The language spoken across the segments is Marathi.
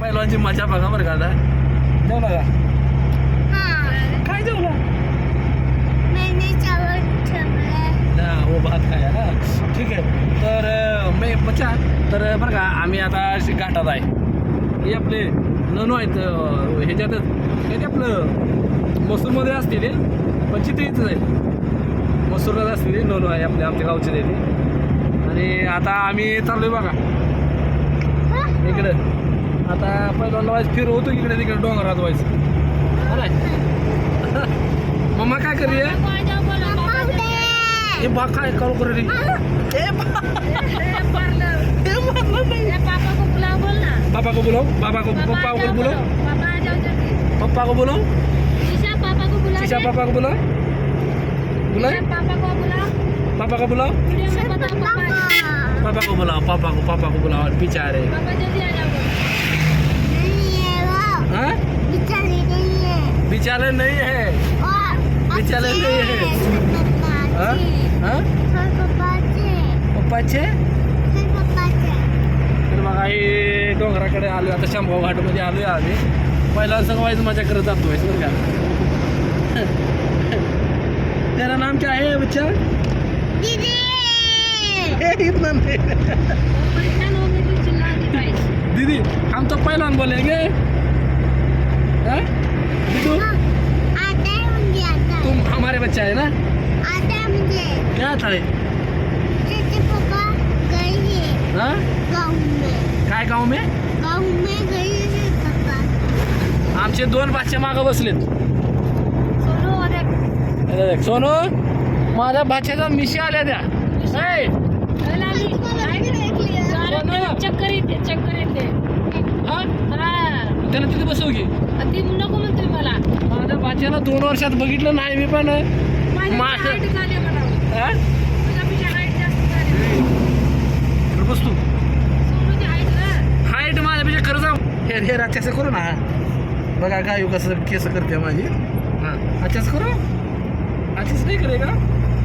पहिलवानची मजा बघा बरं का आता. जेवला का? काय जेवला? हो भात खाया ना. ठीक आहे. तर मी बच्चा तर बरं का आम्ही आता घाटात आहे. हे आपले ननू आहेत ह्याच्यातच हे ते आपलं मसूरमध्ये असते ते पण चित्रीच आहे. मसूरलाच असते ते ननू आहे आपल्या आमच्या गावचे ते. आणि आता आम्ही चाललोय बघा इकडं. आता पहिल्यांदा व्हायचं फिरवतो इकडे तिकडे डोंगरात व्हायचं. मम्मा काय करूया हे बा काय करू करू रे. पापा को बोलो पापा को पप्पा को बोलो पप्पा को बोलो शीशा पापा को बोलो बुलाए पापा को बुलाओ पापा को बुलाओ पापा को बुलाओ पीछे आ रहे. हाँ बिचारे नहीं है बिचारे नहीं है. हाँ हाँ पप्पाचे तर बघा हे डोंगराकडे आलो आता शामगाव घाटमध्ये आलो आहे आम्ही. पहिला संग व्हायचं मजा करत जातो बरं का. तेरा नाम क्या है बच्चा? इतना नहीं. दीदी हम तो पहलवान बोलेंगे. तुम हमारे बच्चा है ना. क्या आता है? हाँ काय गाव में आमचे दोन बादशे मागं बसलेत. सोनू माझ्या बादशाचा मिशी आल्या त्या. चक्कर येते हा त्याला तिथे बसवू की ती नको म्हणते मला. माझ्या बादशाला 2 वर्षात बघितलं नाही मी पण. बस तू हाईट माझ्यापेक्षा खरं जाऊ. हे रात्याचं करू ना बघा गायू कसं केस करते माझी. हां अच्छाच करू अच्छाच नाही करे का.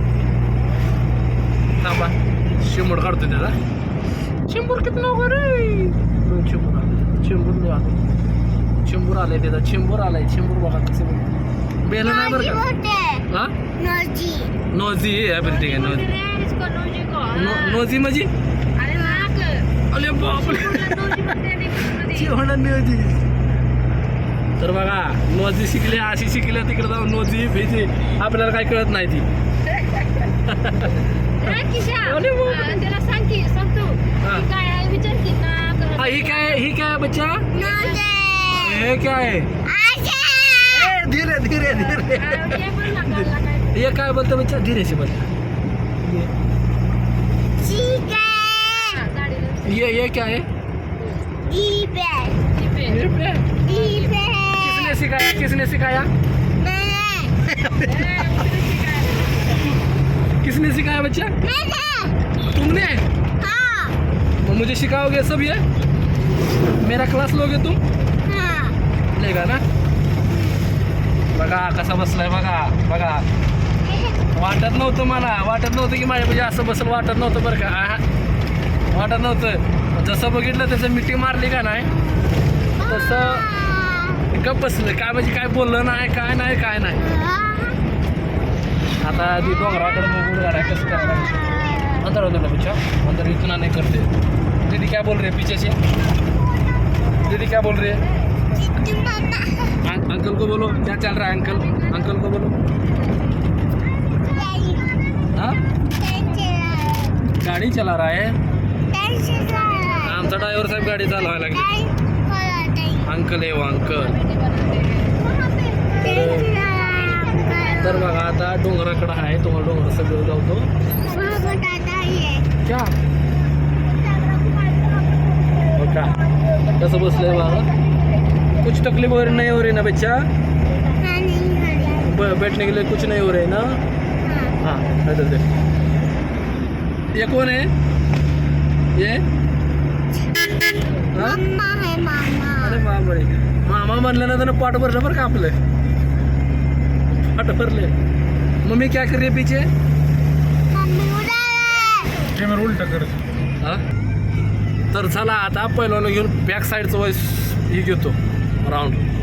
थांबा शेंबूड काढतो त्याला. शेंबूर किती नको रे. शेंबूर आलाय त्याचा. शेंबूर आलाय. शेंबूर बघा कसं बेलं नाही बरं का. हां नोजी आहे बरं ठीक आहे. नोजी माझी अरे बापरे नोजी. तर बघा नोजी शिकले अशी शिकल्या तिकडे जाऊन नोजी भेजी आपल्याला काय कळत नाही ती. त्याला सांग की सांगतो काय आहे विचार की ना. ही काय बच्चा हे क्या है. धीरे धीरे धीरे ये काय बोलतो बच्चा धीरे से बोल. ये क्या है. किसने सिखाया किसने सिखाया बच्चा. तुमने. तो मुझे सिखाओगे सब ये. मेरा क्लास लोगे तुम. लेगा ना. बघा कसा बसलाय बघा बघा. वाटत नव्हतं मला वाटत नव्हतं की माझ्या म्हणजे असं बसल वाटत नव्हतं बरं का. वाटत नव्हतं जसं बघितलं तसं मिठी मारली का नाही तसं गप बसलं. काय म्हणजे काय बोललं नाही काय नाही. आता ती डोंगराकडे बघून गाड्या कसं करायला अंदर बच्चा अंदर इतना नहीं करते. दीदी क्या बोल रहे पीछे से. दीदी क्या बोल रहे. अंकल को बोलो क्या चल रहा है. अंकल को बोलो. हाँ गाड़ी चला रहा है. आमचा ड्रायव्हर साहेब गाडी चालवायला लागली. अंकल आहे अंकल. तर बघा आता डोंगराकडं आहे. तुम्हाला डोंगर सगळं जातो क्या हो का. कसं बसलंय बघा. कुछ तकलीफ नहीं हो रही ना बच्चा. बैठने के लिए कुछ नहीं हो रही ना. हाँ इधर देख. ये कौन है ये. अरे बापरे मामा म्हणलं ना तर पाठ भरलं बरं का आपलं. पाठ भरले. मम्मी क्या कर रही है पीछे. कॅमेरा उलटा कर. हा तर चला आता पहिल्याला घेऊन बॅक साईडचं ही घेतो राऊंड